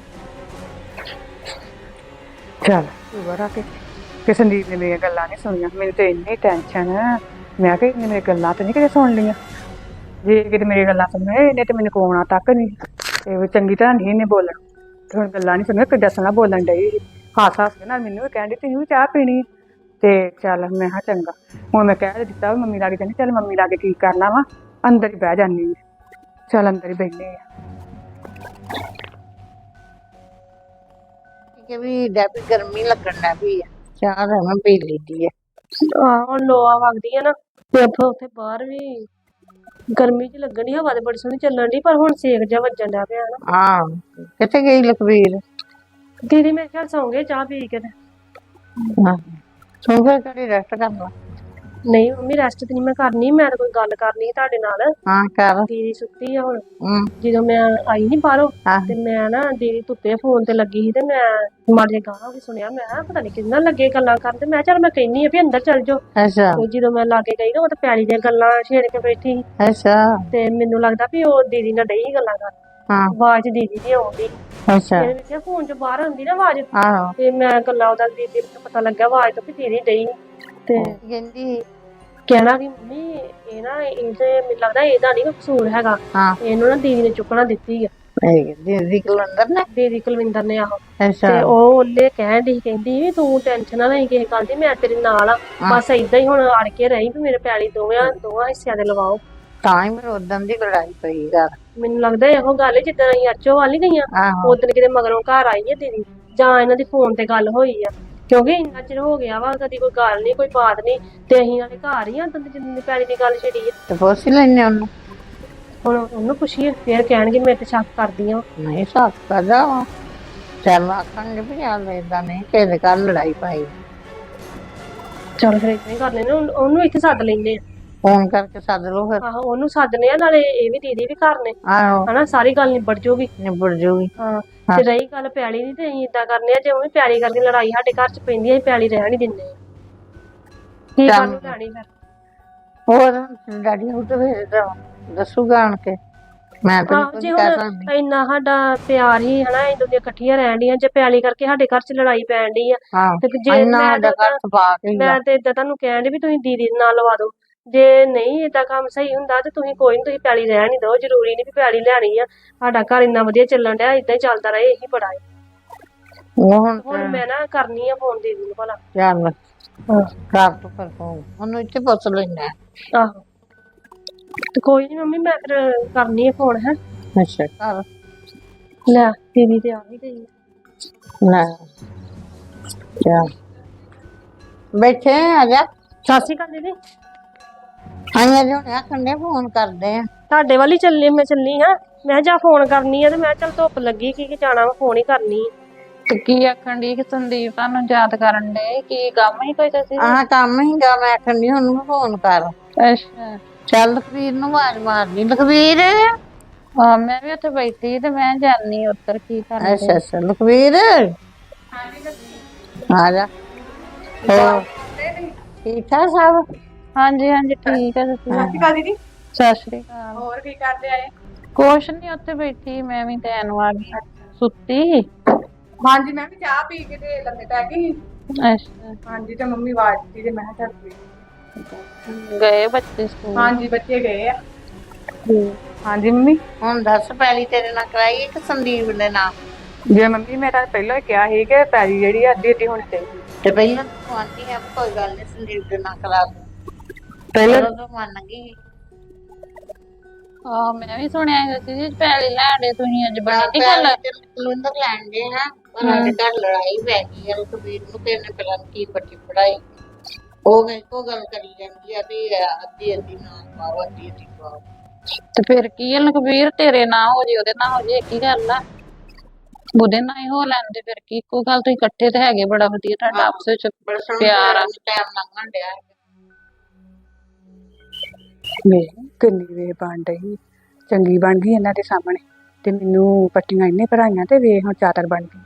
[SPEAKER 3] ਚੱਲ ਤੂੰ ਆ ਕੇ ਕਿ ਸੰਦੀਪ ਨੇ ਮੇਰੀਆਂ ਗੱਲਾਂ ਨਹੀਂ ਸੁਣੀਆਂ। ਮੈਨੂੰ ਤੇ ਇੰਨੀ ਟੈਨਸ਼ਨ ਮੈਂ ਕਿਹਾ ਇਹਨੇ ਮੇਰੀਆਂ ਗੱਲਾਂ ਤੇ ਨਹੀਂ ਕਿਤੇ ਸੁਣ ਲਈਆਂ। ਜੇ ਕਿਤੇ ਮੇਰੀਆਂ ਗੱਲਾਂ ਸੁਣੇ ਇਹਨੇ ਤੇ ਮੈਨੂੰ ਕੋਣਾ ਤੱਕ ਨਹੀਂ ਤੇ ਉਹ ਚੰਗੀ ਤਰ੍ਹਾਂ ਨਹੀਂ ਇਹਨੇ ਬੋਲਣ ਤੇ ਹੁਣ ਗੱਲਾਂ ਨਹੀਂ ਸੁਣੀਆਂ ਕਿੱਡਾ ਸੋਹਣਾ ਬੋਲਣ ਡਈ ਹਾਸ ਹਾਸ ਕੇ ਨਾਲ ਮੈਨੂੰ ਵੀ ਕਹਿੰਦੀ ਤੁਸੀਂ ਵੀ ਚਾਹ ਪੀਣੀ ਤੇ ਚੱਲ ਮੈਂ ਕਿਹਾ ਚੰਗਾ ਹੁਣ ਮੈਂ ਕਹਿ ਦਿੱਤਾ ਮੰਮੀ ਲਾਗੇ ਕਹਿੰਦੀ ਚੱਲ ਮੰਮੀ ਲਾਗੇ ਕੀ ਕਰਨਾ ਵਾ ਅੰਦਰ ਹੀ ਬਹਿ ਜਾਂਦੀ ਆ। ਚੱਲ ਅੰਦਰ ਹੀ ਬੈਠੇ ਆ।
[SPEAKER 2] ਕਿ ਵੀ ਡੈਪੀ ਗਰਮੀ ਲੱਗਣ ਲੱਗ ਪਈ ਆ ਚਾਹ ਤਾਂ ਮੈਂ ਪੀ ਲਈਦੀ ਆ।
[SPEAKER 4] ਆਹ ਹੁਣ ਲੋਆ ਵਗਦੀ ਆ ਨਾ ਤੇ ਉੱਥੇ ਉੱਥੇ ਬਾਹਰ ਵੀ ਗਰਮੀ ਚ ਲੱਗਣ ਦੀ ਹਵਾ ਤੇ ਬੜੀ ਸੋਹਣੀ ਚੱਲਣ ਦੀ ਪਰ ਹੁਣ ਸੇਕ ਜਿਹਾ ਵੱਜਣ ਡਿਆ ਪਿਆ ਨਾ।
[SPEAKER 2] ਹਾਂ ਕਿੱਥੇ ਗਈ ਲਖਵੀਰ?
[SPEAKER 4] ਦੀਦੀ ਮੇਰੇ ਖਿਆਲ ਸੌਂ ਗਏ ਚਾਹ ਪੀ ਕੇ ਤੇ।
[SPEAKER 2] ਹਾਂ ਸੋ ਫਿਰ ਕਰੀ ਰੈਸਟ ਕਰ ਲਾ।
[SPEAKER 4] ਨਹੀਂ ਮੰਮੀ ਰੈਸਟ ਤੇ ਨਹੀਂ ਮੈਂ ਕਰਨੀ ਮੈਂ ਤਾਂ ਕੋਈ ਗੱਲ ਕਰਨੀ ਸੀ ਤੁਹਾਡੇ ਨਾਲ।
[SPEAKER 2] ਹਾਂ ਕਰ।
[SPEAKER 4] ਦੀਦੀ ਸੁੱਤੀ ਆ ਹੁਣ
[SPEAKER 2] ਹਮ
[SPEAKER 4] ਜਦੋਂ ਮੈਂ ਆਈ ਨਹੀਂ ਬਾਹਰੋਂ
[SPEAKER 2] ਹਾਂ
[SPEAKER 4] ਤੇ ਮੈਂ ਨਾ ਦੀਦੀ ਧੁੱਪੇ ਫੋਨ ਤੇ ਲੱਗੀ ਸੀ ਤੇ ਮੈਂ ਮਾੜੇ ਗਾਹ ਵੀ ਸੁਣਿਆ ਮੈਂ ਕਿਹਾ ਪਤਾ ਨਹੀਂ ਕਿੰਨਾ ਲੱਗੇ ਗੱਲਾਂ ਕਰਨ ਤੇ ਮੈਂ ਚੱਲ ਮੈਂ ਕਹਿੰਨੀ ਆ ਵੀ ਅੰਦਰ ਚੱਲ ਜਾਓ।
[SPEAKER 2] ਅੱਛਾ
[SPEAKER 4] ਤੇ ਜਦੋਂ ਮੈਂ ਲਾਗੇ ਗਈ ਨਾ ਉਹ ਤਾਂ ਪੈਲੀ ਦੀਆਂ ਗੱਲਾਂ ਛੇੜ ਕੇ ਬੈਠੀ ਸੀ
[SPEAKER 2] ਅੱਛਾ
[SPEAKER 4] ਤੇ ਮੈਨੂੰ ਲੱਗਦਾ ਵੀ ਉਹ ਦੀਦੀ ਨਾਲ ਡਈ ਗੱਲਾਂ ਕਰ।
[SPEAKER 2] ਹਾਂ
[SPEAKER 4] ਆਵਾਜ਼ ਦੀਦੀ ਦੀ ਆਉਂਦੀ
[SPEAKER 2] ਅੱਛਾ
[SPEAKER 4] ਮੇਰੇ ਵਿੱਚ ਫੋਨ ਚ ਬਾਹਰ ਆਉਂਦੀ ਨਾ ਆਵਾਜ਼
[SPEAKER 2] ਆਹੋ
[SPEAKER 4] ਤੇ ਮੈਂ ਗੱਲਾਂ ਉਹਦਾ ਦੀਦੀ ਨੂੰ ਪਤਾ ਲੱਗਿਆ ਆਵਾਜ਼ ਤੋਂ ਵੀ ਦੀਦੀ ਡਈ ਤੇ
[SPEAKER 2] ਕਹਿੰਦੀ
[SPEAKER 4] ਕਹਿਣਾ ਕਿ ਮੰਮੀ ਇਹ ਨਾ ਇਹ ਤੇ ਮੈਨੂੰ ਲੱਗਦਾ ਇਹਦਾ ਨਹੀਂ ਕੋਈ ਕਸੂਰ ਹੈਗਾ।
[SPEAKER 2] ਹਾਂ
[SPEAKER 4] ਇਹਨੂੰ ਨਾ ਦੀਦੀ ਨੇ ਚੁੱਕਣਾ ਦਿੱਤੀ ਆ
[SPEAKER 2] ਇਹ ਦੀਦੀ ਕੁਲਵਿੰਦਰ ਨੇ।
[SPEAKER 4] ਦੀਦੀ ਕੁਲਵਿੰਦਰ ਨੇ ਆਹੋ
[SPEAKER 2] ਅੱਛਾ
[SPEAKER 4] ਤੇ ਉਹ ਉਹਨੇ ਕਹਿਣ ਦੀ ਕਹਿੰਦੀ ਵੀ ਤੂੰ ਟੈਨਸ਼ਨ ਨਾ ਲਈ ਕਿਸੇ ਗੱਲ ਦੀ ਮੈਂ ਤੇਰੇ ਨਾਲ ਆ ਬਸ ਏਦਾਂ ਹੀ ਹੁਣ ਅੜ ਕੇ ਰਹੀ ਵੀ ਮੇਰੇ ਪੈਲੀ ਦੋਵਾਂ ਦੋਵਾਂ ਹਿੱਸਿਆਂ ਦੇ ਲਵਾਓ।
[SPEAKER 2] ਤਾਂ ਹੀ ਮੈਨੂੰ ਉਦੋਂ ਦੀ ਲੜਾਈ ਪਈ ਘਰ।
[SPEAKER 4] ਮੈਨੂੰ ਲੱਗਦਾ ਇਹੋ ਗੱਲ ਜਿੱਦਾਂ ਅਸੀਂ ਅਰਚੋ ਵਾਲੀ ਗਈਆਂ
[SPEAKER 2] ਆਹੋ
[SPEAKER 4] ਉਦੋਂ ਕਿਤੇ ਮਗਰੋਂ ਘਰ ਆਈ ਹੈ ਦੀਦੀ ਜਾਂ ਇਹਨਾਂ ਦੀ ਫੋਨ ਤੇ ਗੱਲ ਹੋਈ ਆ ਕਿਉਂਕਿ ਇੰਨਾ ਚਿਰ ਹੋ ਗਿਆ ਵਾ ਕਦੀ ਕੋਈ ਗੱਲ ਨਹੀਂ ਕੋਈ ਬਾਤ ਨਹੀਂ ਤੇ ਅਸੀਂ ਨਾਲੇ ਘਰ ਹੀ ਆ ਤਾਂ ਜਿੰਨੀ ਪੈਲੀ ਦੀ ਗੱਲ ਛਿੜੀ ਆ
[SPEAKER 2] ਤੇ ਪੁੱਛ ਲੈਣੇ ਉਹਨੂੰ।
[SPEAKER 4] ਹੁਣ ਉਹਨੂੰ ਪੁੱਛੀਏ ਫੇਰ ਕਹਿਣਗੇ ਮੇਰੇ ਤੇ ਸ਼ੱਕ ਕਰਦੀਆਂ
[SPEAKER 2] ਨਹੀਂ ਸਾਥ ਕਰਦਾ ਵਾ ਚੱਲ ਆਖਣਗੇ ਵੀ ਚੱਲ ਏਦਾਂ ਨਹੀਂ ਕਿਸੇ ਦੇ ਘਰ ਲੜਾਈ ਪਾਈ।
[SPEAKER 4] ਚੱਲ ਫਿਰ ਇਦਾਂ ਹੀ ਕਰ ਲੈਨੇ ਉਹਨੂੰ ਉਹਨੂੰ ਇੱਥੇ ਸੱਦ ਲੈਨੇ ਆ।
[SPEAKER 2] ਫੋਨ ਕਰਕੇ ਸੱਦ ਲਓ ਫਿਰ।
[SPEAKER 4] ਆਹੋ ਉਹਨੂੰ ਸੱਦਨੇ ਆ, ਨਾਲੇ ਇਹ ਵੀ ਦੀਦੀ ਵੀ ਘਰ ਨੇ
[SPEAKER 2] ਆਹੋ
[SPEAKER 4] ਹਨਾ, ਸਾਰੀ ਗੱਲ ਨਿਬੜ ਜੂਗੀ।
[SPEAKER 2] ਨਿਬੜ ਜੂਗੀ।
[SPEAKER 4] ਹਾਂ ਤੇ ਰਹੀ ਗੱਲ ਪਿਆਲੀ ਦੀ, ਤੇ ਅਸੀਂ ਏਦਾਂ ਕਰਨੇ ਆ, ਜੇ ਉਹ ਵੀ ਪਿਆਲੀ ਕਰਕੇ ਲੜਾਈ ਸਾਡੇ ਘਰ ਚ ਪੈਂਦੀ ਆ, ਅਸੀਂ ਪਿਆਲੀ ਰਹਿਣ ਨਹੀਂ ਦਿੰਦੇ ਆ। ਕੀ
[SPEAKER 2] ਚੱਲ।
[SPEAKER 4] ਕਾਹਨੂੰ ਲੈਣੀ ਫਿਰ?
[SPEAKER 2] ਹੋਰ ਡੈਡੀ ਨੂੰ ਤਾਂ ਫਿਰ ਦੱਸੂਗਾ ਆਣ ਕੇ, ਮੈਂ ਤਾਂ
[SPEAKER 4] ਆਹੋ
[SPEAKER 2] ਕੁਝ
[SPEAKER 4] ਜੇ
[SPEAKER 2] ਕਹਿ
[SPEAKER 4] ਹੁਣ
[SPEAKER 2] ਸਕਦੀ।
[SPEAKER 4] ਇੰਨਾ ਸਾਡਾ ਪਿਆਰ ਹੀ ਹਨਾ, ਅਸੀਂ ਦੋਨੀਆਂ ਇਕੱਠੀਆਂ ਰਹਿਣ ਡੀਆਂ, ਜੇ ਪਿਆਲੀ ਕਰਕੇ ਸਾਡੇ ਘਰ ਚ ਲੜਾਈ ਪੈਣ ਡਈ ਆ
[SPEAKER 2] ਹਾਂ
[SPEAKER 4] ਤੇ ਜੇ
[SPEAKER 2] ਇੰਨਾ
[SPEAKER 4] ਮੈਂ
[SPEAKER 2] ਸਾਡਾ
[SPEAKER 4] ਤਾਂ
[SPEAKER 2] ਘਰ ਤਬਾਹ ਕੇ
[SPEAKER 4] ਮੈਂ ਤੇ ਏਦਾਂ ਤੁਹਾਨੂੰ ਕਹਿਣ ਡਈ ਵੀ ਤੁਸੀਂ ਦੀਦੀ ਦੇ ਨਾਲ ਲਵਾ ਦਿਓ। ਜੇ ਨਹੀਂ ਏਦਾਂ ਕੰਮ ਸਹੀ ਹੁੰਦਾ ਤੇ ਤੁਸੀਂ ਕੋਈ ਨੀ, ਤੁਸੀਂ ਪਿਆਲੀ ਰਹਿਣ ਨਹੀਂ ਦਿਓ। ਜ਼ਰੂਰੀ ਨਹੀਂ ਵੀ ਪਿਆਲੀ ਲੈਣੀ ਆ, ਸਾਡਾ ਘਰ ਇੰਨਾ ਵਧੀਆ ਚੱਲਣ ਡਿਆ, ਏਦਾਂ ਹੀ ਚੱਲਦਾ ਰਹੇ, ਇਹੀ ਬੜਾ ਹੈ।
[SPEAKER 2] ਉਹ ਹੁਣ
[SPEAKER 4] ਹੁਣ ਮੈਂ ਨਾ ਕਰਨੀ ਆ ਫੋਨ ਦੀਦੀ ਨੂੰ ਭਲਾ।
[SPEAKER 2] ਚੱਲ
[SPEAKER 4] ਹਾਂ
[SPEAKER 2] ਕਰ ਤੂੰ ਫਿਰ ਫੋਨ, ਉਹਨੂੰ ਇੱਥੇ ਪੁੱਛ ਲੈਣਾ।
[SPEAKER 4] ਆਹੋ ਤੇ ਕੋਈ ਨੀ ਮੰਮੀ, ਮੈਂ ਫਿਰ ਕਰਨੀ ਆ ਫੋਨ। ਹੈ
[SPEAKER 2] ਅੱਛਾ ਕਰ
[SPEAKER 4] ਲੈ ਦੀਦੀ ਤੇ ਆ ਵੀ ਗਈ ਆ।
[SPEAKER 2] ਲੈ ਚੱਲ ਬੈਠੇ ਆ ਜਾ।
[SPEAKER 4] ਸਤਿ ਸ਼੍ਰੀ ਅਕਾਲ ਦੀਦੀ।
[SPEAKER 2] ਆਈਆਂ ਜੋ ਆਖਣ ਦੇ ਫੋਨ ਕਰਦੇ ਆ।
[SPEAKER 4] ਤੁਹਾਡੇ ਵੱਲ ਹੀ ਚੱਲੀ, ਮੈਂ ਚੱਲੀ ਹਾਂ। ਮੈਂ ਜਾ ਫੋਨ ਕਰਨੀ ਆ, ਤੇ ਮੈਂ ਚੱਲ ਧੁੱਪ ਲੱਗੀ ਕੀ ਜਾਣਾ ਵਾ, ਫੋਨ ਹੀ ਕਰਨੀ ਆ।
[SPEAKER 5] ਤੇ ਕੀ ਆਖਣ ਦੀ ਕਿ ਸੰਦੀਪ ਤੁਹਾਨੂੰ ਯਾਦ ਕਰਨ ਦੇ, ਕੀ ਕੰਮ ਹੀ ਕੋਈ ਤੁਸੀਂ?
[SPEAKER 2] ਆਹ ਕੰਮ ਹੀਗਾ, ਮੈਂ ਆਖਣ ਦੀ ਉਹਨੂੰ ਫੋਨ ਕਰ।
[SPEAKER 5] ਅੱਛਾ
[SPEAKER 2] ਚੱਲ ਲਖਵੀਰ ਨੂੰ ਆਵਾਜ਼ ਮਾਰਨੀ। ਲਖਵੀਰ
[SPEAKER 5] ਹਾਂ ਮੈਂ ਵੀ ਉੱਥੇ ਬੈਠੀ ਤੇ ਮੈਂ ਜਾਨੀ ਉੱਤਰ ਕੀ ਕਰਨਾ।
[SPEAKER 2] ਅੱਛਾ ਅੱਛਾ ਲਖਵੀਰ ਆ ਜਾ। ਹੋਰ ਠੀਕ ਠਾਕ ਸਭ?
[SPEAKER 5] ਹਾਂਜੀ ਹਾਂਜੀ ਠੀਕ ਹੈ। ਤੁਸੀਂ
[SPEAKER 3] ਸਤਿ ਸ਼੍ਰੀ ਅਕਾਲ ਦੀਦੀ।
[SPEAKER 5] ਸਤਿ ਸ਼੍ਰੀ ਅਕਾਲ।
[SPEAKER 3] ਹੋਰ ਕੀ ਕਰਦੇ ਆਏ?
[SPEAKER 5] ਕੁਛ ਨੀ, ਉੱਥੇ ਬੈਠੀ ਮੈਂ ਵੀ ਤੈਨ ਆ ਗਈ ਸੁੱਤੀ।
[SPEAKER 3] ਹਾਂਜੀ ਮੈਂ ਵੀ ਚਾਹ ਪੀ ਕੇ ਤੇ ਲੰਮੇ ਪੈ ਗਈ।
[SPEAKER 5] ਅੱਛਾ
[SPEAKER 3] ਹਾਂਜੀ ਤੇ ਮੰਮੀ ਆਵਾਜ਼ ਦਿੱਤੀ ਤੇ ਮੈਂ ਕਿਹਾ ਚੱਲ ਪੀ।
[SPEAKER 5] ਗਏ ਬੱਚੇ ਸਕੂਲ?
[SPEAKER 3] ਹਾਂਜੀ ਬੱਚੇ ਗਏ ਆ। ਹਾਂਜੀ ਮੰਮੀ।
[SPEAKER 2] ਹੁਣ ਦੱਸ ਪੈਲੀ ਤੇਰੇ ਨਾਲ ਕਰਾਈਏ ਕਿ ਸੰਦੀਪ ਦੇ ਨਾਲ?
[SPEAKER 3] ਜੇ ਮੰਮੀ ਮੈਂ ਤਾਂ ਪਹਿਲਾਂ ਹੀ ਕਿਹਾ ਸੀ ਕਿ ਪੈਲੀ ਜਿਹੜੀ ਆ ਅੱਧੀ ਅੱਧੀ ਹੋਣੀ ਚਾਹੀਦੀ।
[SPEAKER 2] ਤੇ ਪਹਿਲਾਂ ਤੂੰ ਆਂਦੀ ਹੈ ਕੋਈ ਗੱਲ ਨਹੀਂ ਸੰਦੀਪ ਦੇ ਨਾਲ ਕਰਾ ਦੇ,
[SPEAKER 3] ਪਹਿਲਾਂ
[SPEAKER 2] ਤੂੰ ਮੰਨ ਗਈ।
[SPEAKER 5] ਆਹ ਮੈਂ ਵੀ ਸੁਣਿਆ ਸੀ ਜੀ ਪੈਲੀ ਲੈਣੇ ਤੁਸੀਂ, ਅੱਜ ਬਣੀ ਨੀ ਗੱਲ?
[SPEAKER 2] ਕਲੰਦਰ ਲੈਣ ਦੇ ਹਾਂ, ਪਰ ਸਾਡੇ ਘਰ ਲੜਾਈ ਪੈ ਗਈ ਹੈ। ਲਖਵੀਰ ਨੂੰ ਕਿਹਨੇ ਪਤਾ ਨੀ ਕੀ ਪੱਟੀ ਪੜਾਈ, ਉਹ ਇੱਕੋ ਗੱਲ ਕਰੀ ਜਾਂਦੀ ਆ ਵੀ ਅੱਧੀ ਅੱਧੀ ਨਾਲ ਪਾਓ, ਅੱਧੀ ਅੱਧੀ ਪਾਓ।
[SPEAKER 5] ਤੇ ਫਿਰ ਕੀ ਹੈ ਲਖਬੀਰ, ਤੇਰੇ ਨਾਲ ਹੋ ਜੇ ਉਹਦੇ ਨਾਲ ਹੋ ਜੇ ਇੱਕ ਹੀ ਗੱਲ ਆ। ਉਹਦੇ ਨਾਲ ਹੀ ਹੋ ਲੈਂਦੇ, ਫਿਰ ਕੀ ਇੱਕੋ ਗੱਲ, ਤੁਸੀਂ ਇਕੱਠੇ ਤੇ ਹੈਗੇ, ਬੜਾ ਵਧੀਆ ਤੁਹਾਡਾ ਆਪਸ ਵਿੱਚ ਪਿਆਰ ਆ।
[SPEAKER 2] ਟਾਈਮ ਲੰਘਣ ਡਿਆ।
[SPEAKER 3] ਵੇਖ ਕਿੰਨੀ ਵੇ ਬਣ ਰਹੀ, ਚੰਗੀ ਬਣ ਗਈ ਇਹਨਾਂ ਦੇ ਸਾਹਮਣੇ, ਤੇ ਮੈਨੂੰ ਪੱਟੀਆਂ ਇੰਨੇ ਭਰਾਈਆਂ ਤੇ ਵੇ ਹੁਣ ਚਾਦਰ ਬਣ ਗਈ।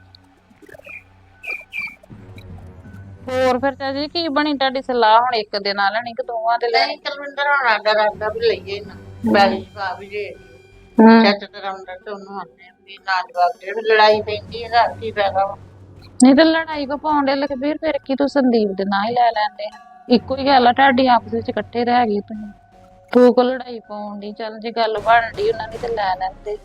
[SPEAKER 5] ਹੋਰ ਫਿਰ ਚਾਚੀ ਕੀ ਬਣੀ ਤੁਹਾਡੀ ਸਲਾਹ, ਹੁਣ ਇੱਕ ਦੇ ਨਾਲ ਲੈਣੀ ਕਿ ਦੋਵਾਂ ਦੇ ਲੈਣੀ?
[SPEAKER 2] ਨਹੀਂ ਕਲਵਿੰਦਰ ਹੁਣ ਆਡਾ ਰਾਡਾ ਵੀ ਲਈਏ ਨਾ, ਪੈਲੀ ਜਵਾਬ ਵੀ ਦੇ
[SPEAKER 5] ਹੂੰ
[SPEAKER 2] ਚੱਜ ਤੇ ਆਉਂਦਾ ਤੇ ਉਹਨੂੰ ਆਉਂਦੇ ਵੀ ਨਾ ਜਵਾਬ ਦੇ, ਲੜਾਈ ਪੈਂਦੀ ਹੈ ਘਰ ਕੀ ਫਾਇਦਾ ਵਾ।
[SPEAKER 5] ਨਹੀਂ ਤੇ ਲੜਾਈ ਕੋ ਪਾਉਂਦੇ ਲਖਬੀਰ, ਫਿਰ ਕੀ ਤੂੰ ਸੰਦੀਪ ਦੇ ਨਾਲ ਹੀ ਲੈ ਲੈਂਦੇ ਆ, ਇੱਕੋ ਹੀ ਗੱਲ ਆ ਤੁਹਾਡੀ ਆਪਸ ਵਿੱਚ ਇਕੱਠੇ ਰਹਿ ਗਏ ਤੁਸੀਂ, ਤੂੰ ਕੋ ਲੜਾਈ ਪਾਉਣ ਦੀ। ਚੱਲ ਜੇ ਗੱਲ ਬਣ ਡਈ ਉਹਨਾਂ ਦੀ ਤੇ ਲੈ ਲੈਂਦੇ।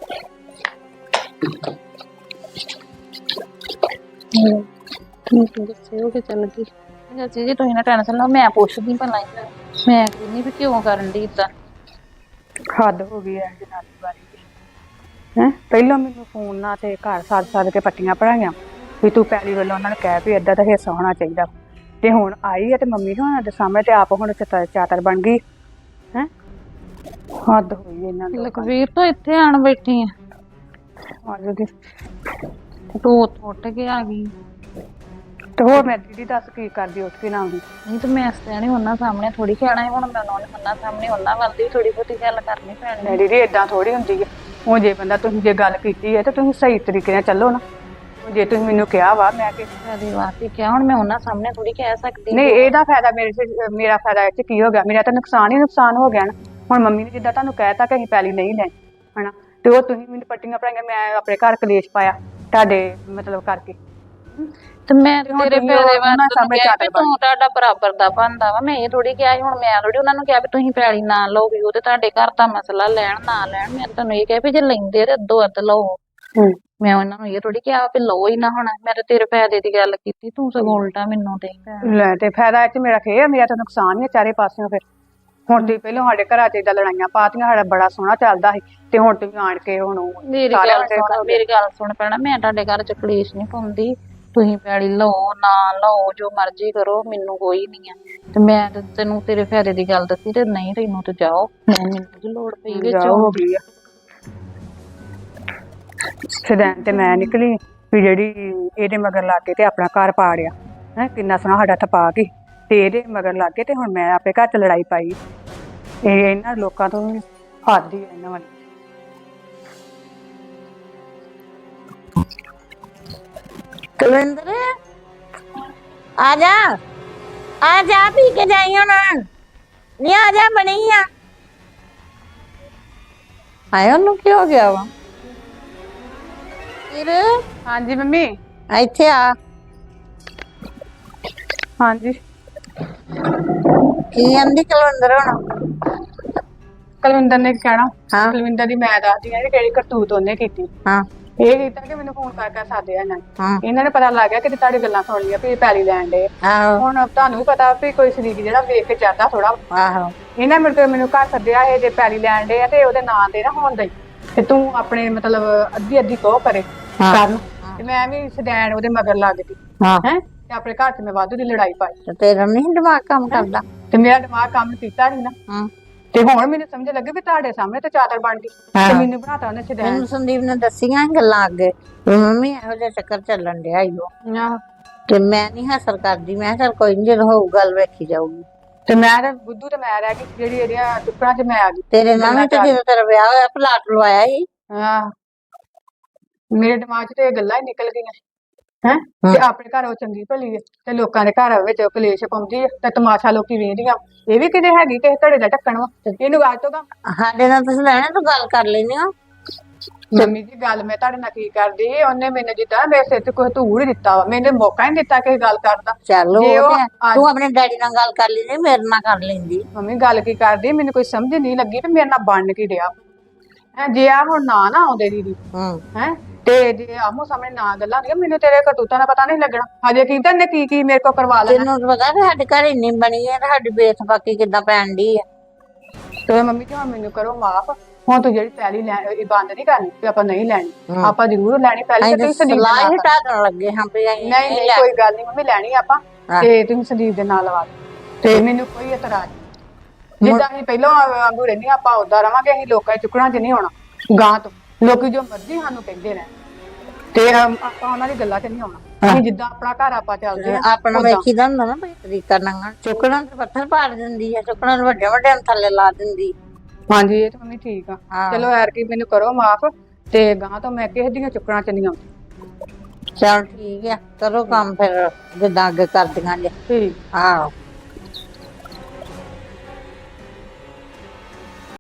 [SPEAKER 5] ਹੂੰ ਠੀਕ ਗੁੱਸੇ ਹੋ ਕੇ ਚੱਲ ਗਈ। ਚਾਚੀ ਜੀ ਤੁਸੀਂ ਨਾ ਟੈਨਸ਼ਨ ਲਓ, ਮੈਂ ਪੁੱਛਦੀ ਭਲਾ ਹੀ, ਮੈਂ ਕਹਿੰਦੀ ਵੀ ਕਿਉਂ ਕਰਨ ਦੀ ਏਦਾਂ।
[SPEAKER 3] ਹੱਦ ਹੋ ਗਈ ਹੈ ਜਨਾਨੀ ਬਾਰੇ ਹੈ। ਪਹਿਲਾਂ ਮੈਨੂੰ ਫੋਨ ਨਾਲ ਤੇ ਘਰ ਸੱਦ ਸੱਦ ਕੇ ਪੱਟੀਆਂ ਪੜਾਈਆਂ ਵੀ ਤੂੰ ਪੈਲੀ ਵੱਲੋਂ ਉਹਨਾਂ ਨੂੰ ਕਹਿ ਵੀ ਏਦਾਂ ਦਾ ਹਿੱਸਾ ਹੋਣਾ ਚਾਹੀਦਾ, ਤੇ ਹੁਣ ਆਈ ਹੈ ਤੇ ਮੰਮੀ ਹੋਣਾ ਦੇ ਸਾਹਮਣੇ ਤੇ ਆਪ ਹੁਣ ਚਾਦਰ ਬਣ ਗਈ ਹੈ। ਹੱਦ ਹੋਈ ਇਹਨਾਂ ਦੀ।
[SPEAKER 5] ਲਖਬੀਰ ਤੂੰ ਇੱਥੇ ਆਣ ਬੈਠੀ ਆ,
[SPEAKER 3] ਆਜੋ ਦੀ
[SPEAKER 5] ਤੂੰ ਉੱਥੋਂ ਉੱਠ ਕੇ ਆ ਗਈ।
[SPEAKER 3] ਤੇ ਹੋਰ ਮੈਂ ਦੀਦੀ ਦੱਸ ਕੀ ਕਰਦੀ ਉੱਠ ਕੇ ਨਾ ਆਉਂਦੀ।
[SPEAKER 5] ਨਹੀਂ ਤੇ ਮੈਂ ਸਿਆਣੀ ਉਹਨਾਂ ਸਾਹਮਣੇ ਥੋੜੀ ਕਹਿਣਾ ਹੈ, ਹੁਣ ਮੈਂ ਉਹਨਾਂ ਸਾਹਮਣੇ ਉਹਨਾਂ ਵੱਲ ਦੀ ਥੋੜੀ ਬਹੁਤੀ ਗੱਲ ਕਰਨੀ ਪੈਣੀ।
[SPEAKER 3] ਨਹੀਂ ਦੀਦੀ ਏਦਾਂ ਥੋੜੀ ਹੁੰਦੀ ਹੈ। ਹੁਣ ਜੇ ਬੰਦਾ ਤੁਸੀਂ ਜੇ ਗੱਲ ਕੀਤੀ ਹੈ ਤੇ ਤੁਸੀਂ ਸਹੀ ਤਰੀਕੇ ਨਾਲ ਚੱਲੋ ਨਾ। ਜੇ ਤੁਸੀਂ ਮੈਨੂੰ ਕਿਹਾ ਵਾ ਮੈਂ ਕਿ
[SPEAKER 5] ਕਦੇ ਵਾਸਤੇ ਕਿਹਾ, ਹੁਣ ਮੈਂ ਉਹਨਾਂ ਸਾਹਮਣੇ ਥੋੜੀ ਕਹਿ ਸਕਦੀ।
[SPEAKER 3] ਨਹੀਂ ਇਹਦਾ ਫਾਇਦਾ ਮੇਰੇ ਚ ਮੇਰਾ ਫਾਇਦਾ ਇਹ ਚ ਕੀ ਹੋ ਗਿਆ, ਮੇਰਾ ਤਾਂ ਨੁਕਸਾਨ ਹੀ ਨੁਕਸਾਨ ਹੋ ਗਿਆ ਨਾ। ਹੁਣ ਮੰਮੀ ਨੇ ਜਿੱਦਾਂ ਤੁਹਾਨੂੰ ਕਹਿਤਾ ਕਿ ਅਸੀਂ ਪੈਲੀ ਨਹੀਂ ਲੈਣੀ ਹਨਾ, ਤੇ ਉਹ ਤੁਸੀਂ ਮੈਨੂੰ ਪੱਟੀਆਂ ਪੜਾਈਆਂ, ਮੈਂ ਆਪਣੇ ਘਰ ਕਲੇਸ਼ ਪਾਇਆ ਤੁਹਾਡੇ ਮਤਲਬ ਕਰਕੇ।
[SPEAKER 5] ਤੇ ਮੈਂ ਤੇਰੇ ਫਾਇਦੇ ਵਾਸਤੇ ਕਿਹਾ ਵੀ ਤੂੰ ਤੁਹਾਡਾ ਬਰਾਬਰ ਦਾ ਬਣਦਾ ਵਾ, ਮੈਂ ਇਹ ਥੋੜੀ ਕਿਹਾ ਸੀ, ਹੁਣ ਮੈਂ ਥੋੜੀ ਉਹਨਾਂ ਨੂੰ ਕਿਹਾ ਵੀ ਤੁਸੀਂ ਪੈਲੀ ਨਾ ਲਓ, ਵੀ ਉਹ ਤੇ ਤੁਹਾਡੇ ਘਰ ਦਾ ਮਸਲਾ, ਲੈਣ ਨਾ ਲੈਣ। ਮੈਂ ਤੁਹਾਨੂੰ ਇਹ ਕਿਹਾ ਵੀ ਜੇ ਲੈਂਦੇ ਤੇ ਅੱਧੋ ਅੱਧ ਲਓ। ਮੈਂ ਉਹਨਾਂ ਨੂੰ ਇਹ ਥੋੜੀ ਕਿਹਾ ਵੀ ਲਓ ਹੀ ਨਾ, ਹੁਣ ਮੈਂ ਤਾਂ ਤੇਰੇ ਫਾਇਦੇ ਦੀ ਗੱਲ ਕੀਤੀ, ਤੂੰ ਸਗੋਂ ਉਲਟਾ ਮੈਨੂੰ ਦੇ।
[SPEAKER 3] ਲੈ ਤੇ ਫਾਇਦਾ ਇਹ ਚ ਮੇਰਾ ਖੇ ਆ, ਮੇਰਾ ਤਾਂ ਨੁਕਸਾਨ ਹੀ ਆ ਚਾਰੇ ਪਾਸਿਓਂ। ਫਿਰ ਹੁਣ ਤੁਸੀਂ ਪਹਿਲਾਂ ਸਾਡੇ ਘਰਾਂ ਚ ਏਦਾਂ ਲੜਾਈਆਂ ਪਾਤੀਆਂ, ਸਾਡਾ ਬੜਾ ਸੋਹਣਾ ਚੱਲਦਾ ਸੀ, ਤੇ ਹੁਣ ਤੁਸੀਂ ਆਣ ਕੇ ਹੁਣ
[SPEAKER 5] ਮੇਰੀ ਗੱਲ ਸੁਣ, ਮੇਰੀ ਗੱਲ ਸੁਣ ਪੈਣਾ, ਮੈਂ ਤੁਹਾਡੇ ਘਰ ਚ ਕਲੇਸ਼ ਨਹੀਂ ਪਾਉਂਦੀ, ਤੁਸੀਂ ਪੈਲੀ ਲਓ ਨਾ ਲਓ ਜੋ ਮਰਜ਼ੀ ਕਰੋ, ਮੈਨੂੰ ਕੋਈ ਨਹੀਂ ਆ। ਤੇ ਮੈਂ ਤੇ ਤੈਨੂੰ ਤੇਰੇ ਫਾਇਦੇ ਦੀ ਗੱਲ ਦੱਸੀ, ਤੇ ਨਹੀਂ ਤੈਨੂੰ ਤੇ ਜਾਓ, ਮੈਨੂੰ ਕੀ ਲੋੜ ਪਈ ਵਿੱਚ
[SPEAKER 3] ਹੋ ਗਈ ਆ। ਸਦੈਨ ਤੇ ਮੈਂ ਨਿਕਲੀ ਵੀ ਜਿਹੜੀ ਇਹਦੇ ਮਗਰ ਲਾ ਕੇ ਤੇ ਆਪਣਾ ਘਰ ਪਾੜਿਆ ਹੈ, ਕਿੰਨਾ ਸੋਹਣਾ ਸਾਡਾ ਥਪਾ ਗਈ, ਤੇ ਇਹਦੇ ਮਗਰ ਲੱਗ ਗਏ ਤੇ ਹੁਣ ਮੈਂ ਆਪੇ ਘਰ 'ਚ ਲੜਾਈ ਪਾਈ। ਇਹ ਇਹਨਾਂ ਲੋਕਾਂ ਤੋਂ ਵੀ ਹੱਦ ਹੀ ਹੈ ਇਹਨਾਂ ਵਾਲੀ।
[SPEAKER 2] ਕੁਲਵਿੰਦਰ ਆ ਜਾ ਆ ਜਾ ਪੀ ਕੇ ਜਾਈ ਹੁਣ ਨਹੀਂ ਆ ਜਾ ਬਣੀ ਆ ਆਇਆ ਉਹਨੂੰ ਕੀ ਹੋ ਗਿਆ ਵਾ ਫਿਰ
[SPEAKER 3] ਹਾਂਜੀ ਮੰਮੀ।
[SPEAKER 2] ਇੱਥੇ ਆ
[SPEAKER 3] ਹਾਂਜੀ
[SPEAKER 2] ਕੀ ਆਂਦੀ ਕੁਲਵਿੰਦਰ ਹੁਣ
[SPEAKER 3] ਕੁਲਵਿੰਦਰ ਨੇ ਕੀ ਕਹਿਣਾ?
[SPEAKER 2] ਹਾਂ
[SPEAKER 3] ਕੁਲਵਿੰਦਰ ਦੀ ਮੈਂ ਦੱਸਦੀ ਆ ਕਿ ਕਿਹੜੀ ਕਰਤੂਤ ਉਹਨੇ ਕੀਤੀ।
[SPEAKER 2] ਹਾਂ
[SPEAKER 3] ਇਹ ਕੀਤਾ ਕਿ ਮੈਨੂੰ ਫੋਨ ਕਰ ਕਰ ਸਾਧਿਆ ਇਹਨਾਂ ਨੇ।
[SPEAKER 2] ਹਾਂ
[SPEAKER 3] ਇਹਨਾਂ ਨੇ ਪਤਾ ਲੱਗ ਗਿਆ ਕਿ ਤੁਹਾਡੀ ਗੱਲਾਂ ਸੁਣ ਲਈਆਂ ਵੀ ਇਹ ਪੈਲੀ ਲੈਣ ਦੇ।
[SPEAKER 2] ਆਹੋ
[SPEAKER 3] ਹੁਣ ਤੁਹਾਨੂੰ ਵੀ ਪਤਾ ਵੀ ਕੋਈ ਸ਼ਰੀਕ ਜਿਹੜਾ ਵੇਖ ਕੇ ਜਾਂਦਾ ਥੋੜਾ।
[SPEAKER 2] ਆਹੋ
[SPEAKER 3] ਇਹਨਾਂ ਮੇਰੇ ਤੋਂ ਮੈਨੂੰ ਘਰ ਸੱਦਿਆ ਇਹ ਜੇ ਪੈਲੀ ਲੈਣ ਦੇ ਆ ਤੇ ਉਹਦੇ ਨਾਂ ਤੇ ਨਾ ਹੋਣ ਦੇ ਤੇ ਤੂੰ ਆਪਣੇ ਮਤਲਬ ਅੱਧੀ ਅੱਧੀ ਕੋ ਕਰੇ ਕਰਨ ਤੇ ਮੈਂ ਵੀ ਸਦੈਣ ਉਹਦੇ ਮਗਰ ਲੱਗ ਗਈ
[SPEAKER 2] ਹਾਂ
[SPEAKER 3] ਹੈ ਤੇ ਆਪਣੇ ਘਰ 'ਚ ਮੈਂ ਵਾਧੂ ਦੀ ਲੜਾਈ ਪਾਈ
[SPEAKER 2] ਤੇ ਤੇਰਾ ਨਹੀਂ ਦਿਮਾਗ ਕੰਮ ਕਰਦਾ
[SPEAKER 3] ਤੇ ਮੇਰਾ ਦਿਮਾਗ ਕੰਮ ਕੀਤਾ ਨਹੀਂ ਨਾ।
[SPEAKER 2] ਹਾਂ
[SPEAKER 3] ਤੇ ਹੁਣ ਮੈਨੂੰ ਸਮਝ ਲੱਗੀ ਵੀ ਤੁਹਾਡੇ ਸਾਹਮਣੇ ਤੇ ਚਾਦਰ ਬਣ ਗਈ ਤੇ ਮੈਨੂੰ ਬਣਾਤਾ ਉਹਨੇ ਸਦੈਣ।
[SPEAKER 2] ਮੈਨੂੰ ਸੰਦੀਪ ਨੇ ਦੱਸੀਆਂ ਸੀ ਗੱਲਾਂ ਅੱਗੇ ਵੀ ਮੰਮੀ ਇਹੋ ਜਿਹਾ ਚੱਕਰ ਚੱਲਣ ਡਿਆ ਈ ਓ
[SPEAKER 3] ਆਹੋ।
[SPEAKER 2] ਤੇ ਮੈਂ ਨਹੀਂ ਹਾਸਲ ਕਰਦੀ ਮੈਂ ਕਿਹਾ ਚੱਲ ਕੋਈ ਨੀ ਜਦੋਂ ਹੋਊ ਗੱਲ ਵੇਖੀ ਜਾਊਗੀ
[SPEAKER 3] ਤੇ ਮੈਂ ਤੇ ਬੁੱਧੂ ਤੇ ਮੈਂ ਰਹਿ ਗਈ ਜਿਹੜੀ ਇਹਦੀਆਂ ਟੁਕੜਾਂ 'ਚ ਮੈਂ ਆ ਗਈ।
[SPEAKER 2] ਤੇਰੇ ਨਾਲ ਵੀ ਤੇ ਜਦੋਂ ਤੇਰਾ ਵਿਆਹ ਹੋਇਆ ਪਲਾਟ ਲਵਾਇਆ ਸੀ
[SPEAKER 3] ਆਹ ਮੇਰੇ ਦਿਮਾਗ 'ਚ ਤੇ ਇਹ ਗੱਲਾਂ ਹੀ ਨਿਕਲ ਗਈਆਂ ਹੈ ਤੇ ਆਪਣੇ ਘਰ ਉਹ ਚੰਗੀ ਭਲੀ ਹੈ ਤੇ ਲੋਕਾਂ ਦੇ ਘਰ ਵਿੱਚ ਕਲੇਸ਼ ਪਾਉਂਦੀ ਹੈ ਤੇ ਤਮਾਸ਼ਾ ਲੋਕੀ ਵੇਖਦੀਆਂ। ਇਹ ਵੀ ਕਿਤੇ ਹੈਗੀ ਕਿਸੇ ਘੜੇ ਦਾ ਢੱਕਣ ਵਾ ਇਹਨੂੰ ਅੱਜ ਤੋਂ
[SPEAKER 2] ਸਾਡੇ ਨਾਲ ਤੁਸੀਂ ਲੈਣਾ ਤੂੰ ਗੱਲ ਕਰ ਲੈਣੀ ਹੋ
[SPEAKER 3] ਮੰਮੀ ਜੀ ਗੱਲ ਮੈਂ ਤੁਹਾਡੇ ਨਾਲ ਕੀ ਕਰਦੀ ਸੀ ਉਹਨੇ ਮੈਨੂੰ ਜਿੱਦਾਂ ਮੇਰੇ ਸਿਰ ਤੇ ਕੋਈ ਧੂੜ ਦਿੱਤਾ ਵਾ ਮੈਨੂੰ ਮੌਕਾ ਨਹੀਂ ਦਿੱਤਾ ਕਿਸੇ ਗੱਲ ਕਰਦਾ।
[SPEAKER 2] ਚੱਲ
[SPEAKER 3] ਜੇ ਉਹ
[SPEAKER 2] ਉਹ ਤੇ-
[SPEAKER 3] ਅੱਜ-
[SPEAKER 2] ਤੂੰ ਆਪਣੇ ਡੈਡੀ ਨਾਲ ਗੱਲ ਕਰ ਲੈਂਦੀ ਮੇਰੇ ਨਾਲ ਕਰ ਲੈਂਦੀ
[SPEAKER 3] ਮੰਮੀ ਗੱਲ ਕੀ ਕਰਦੀ ਮੈਨੂੰ ਕੋਈ ਸਮਝ ਨਹੀਂ ਲੱਗੀ ਵੀ ਮੇਰੇ ਨਾਲ ਬਣ ਕੀ ਡਿਆ ਹੈ। ਜੇ ਆ ਹੁਣ ਨਾ ਨਾ ਆਉਂਦੇ ਦੀਦੀ
[SPEAKER 2] ਹੂੰ
[SPEAKER 3] ਹੈ ਤੇ ਜੇ ਆਮੋ ਸਾਹਮਣੇ ਨਾ ਗੱਲਾਂ ਹੁੰਦੀਆਂ ਮੈਨੂੰ ਤੇਰੇ ਕਰਤੂਤਾਂ ਦਾ ਪਤਾ ਨਹੀਂ ਲੱਗਣਾ। ਹਜੇ ਕੀ ਤਾਂ ਨੇ ਕੀ ਕੀ ਮੇਰੇ ਕੋਲ ਕਰਵਾ ਲੈਣਾ।
[SPEAKER 2] ਤੈਨੂੰ ਤਾਂ ਪਤਾ ਵੀ ਸਾਡੇ ਘਰ ਇੰਨੀ ਬਣੀ ਹੈ ਤੇ ਸਾਡੀ ਬੇਥਬਾਕੀ ਕਿੱਦਾਂ ਪੈਣ ਡਈ ਹੈ
[SPEAKER 3] ਤੇ ਮੰਮੀ ਜੀ ਹੁਣ ਮੈਨੂੰ ਕਰੋ ਮਾਫ। ਹੁਣ ਤੂੰ ਜਿਹੜੀ ਪੈਲੀ ਲੈ ਇਹ ਬੰਦ ਨਹੀਂ ਕਰਨੀ ਤੇ ਆਪਾਂ ਨਹੀਂ ਲੈਣੀ। ਆਪਾਂ ਜ਼ਰੂਰ ਲੈਣੀ ਪੈਲੀ ਤੇ ਤੁਸੀਂ ਸੰਦੀਪ ਦੇ
[SPEAKER 2] ਸਲਾਹ
[SPEAKER 3] ਨਾਲ
[SPEAKER 2] ਹੀ ਢਾਡਣ ਲੱਗੇ ਹਾਂ ਵੀ ਅਸੀਂ
[SPEAKER 3] ਨਹੀਂ ਨਹੀਂ ਕੋਈ ਗੱਲ ਨਹੀਂ ਮੰਮੀ ਲੈਣੀ ਆਪਾਂ ਤੇ ਤੁਸੀਂ ਸੰਦੀਪ ਦੇ ਨਾਲ ਲਵਾ ਦਿਓ ਤੇ ਮੈਨੂੰ ਕੋਈ ਇਤਰਾਜ਼ ਨਹੀਂ। ਜਿੱਦਾਂ ਅਸੀਂ ਪਹਿਲਾਂ ਵਾਂਗੂ ਰਹਿੰਦੀਆਂ ਆਪਾਂ ਉਦਾਂ ਰਵਾਂਗੇ। ਅਸੀਂ ਲੋਕਾਂ ਦੇ ਚੁੱਕਣਾ 'ਚ ਨਹੀਂ ਹੋਣਾ ਗਾਂ ਤੋਂ ਲੋਕੀ ਜੋ ਮਰਜ਼ੀ ਸਾਨੂੰ ਕਹਿੰਦੇ ਰਹਿਣ ਤੇ ਆਪਾਂ ਉਹਨਾਂ ਦੀ ਗੱਲਾਂ 'ਚ ਨਹੀਂ ਆਉਣਾ। ਅਸੀਂ ਜਿੱਦਾਂ ਆਪਣਾ ਘਰ ਆਪਾਂ ਚੱਲਦੇ ਆ
[SPEAKER 2] ਆਪਣਾ ਵੇਖੀਦਾ ਹੁੰਦਾ ਨਾ ਬਈ ਤਰੀਕਾ ਨਾਲ ਚੁੱਕਣਾ ਤੇ ਪੱਥਰ ਪਾੜ ਦਿੰਦੀ ਹੈ ਚੁੱਕਣਾ ਨੂੰ ਵੱਡੇ ਵੱਡੇ ਥੱਲੇ ਲਾ ਦਿੰਦੀ।
[SPEAKER 3] ਹਾਂਜੀ ਇਹ ਤਾਂ ਮੰਮੀ ਠੀਕ ਆ। ਚਲੋ ਐਰ ਕੀ ਮੈਨੂੰ ਕਰੋ ਮਾਫ ਤੇ ਗਾਂ ਤੋਂ ਮੈਂ ਕਿਸੇ ਦੀਆਂ ਚੁੱਕਣਾ 'ਚ ਨਹੀਂ ਆਉਂਦੀ।
[SPEAKER 2] ਚਲ ਠੀਕ ਆ ਕਰੋ ਕੰਮ ਫਿਰ ਜਿੱਦਾਂ ਅੱਗੇ ਕਰਦੀਆਂ ਜੇ
[SPEAKER 3] ਠੀਕ
[SPEAKER 2] ਆਹੋ